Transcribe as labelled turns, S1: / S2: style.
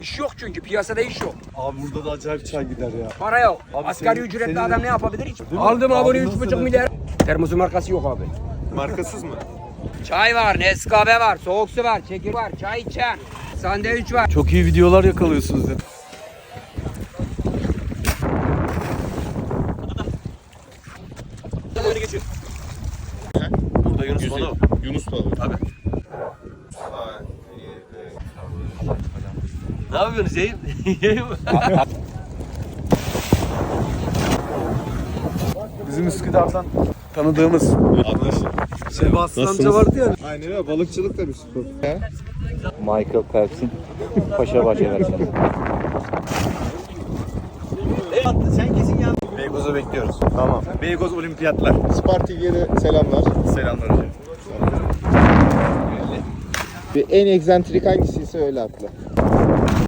S1: İş yok çünkü piyasada iş yok.
S2: Abi burada da acayip çay gider ya.
S1: Para yok.
S2: Abi
S1: Asgari
S2: senin-
S1: ücretli
S2: senin-
S1: adam ne yapabilir hiç?
S2: mi?
S1: Aldım
S2: Abi
S1: abone
S2: nasıl
S1: 3,5
S2: da-
S1: milyar. Termosu markası yok abi.
S2: Markasız mı?
S1: Çay var, Nescafe var, soğuk su var, çekir var, çay içen, sandviç var.
S2: Çok iyi videolar yakalıyorsunuz ya. Burada Yunus balığı.
S3: Yunus balığı.
S2: Abi. Ne yapıyorsunuz yayın? Bizim Üsküdar'dan tanıdığımız
S3: Anlaşıldı.
S2: Sebastian amca
S3: Nasılsınız?
S2: vardı ya.
S3: Aynen öyle. Balıkçılık da bir spor.
S4: Michael Phelps'in Paşabaşı versiyonu.
S2: Beykoz'u bekliyoruz. Tamam. Beykoz Olimpiyatlar.
S3: Spartik'e de selamlar.
S2: Selamlar hocam.
S3: Bir en egzantrik hangisiyse öyle atla.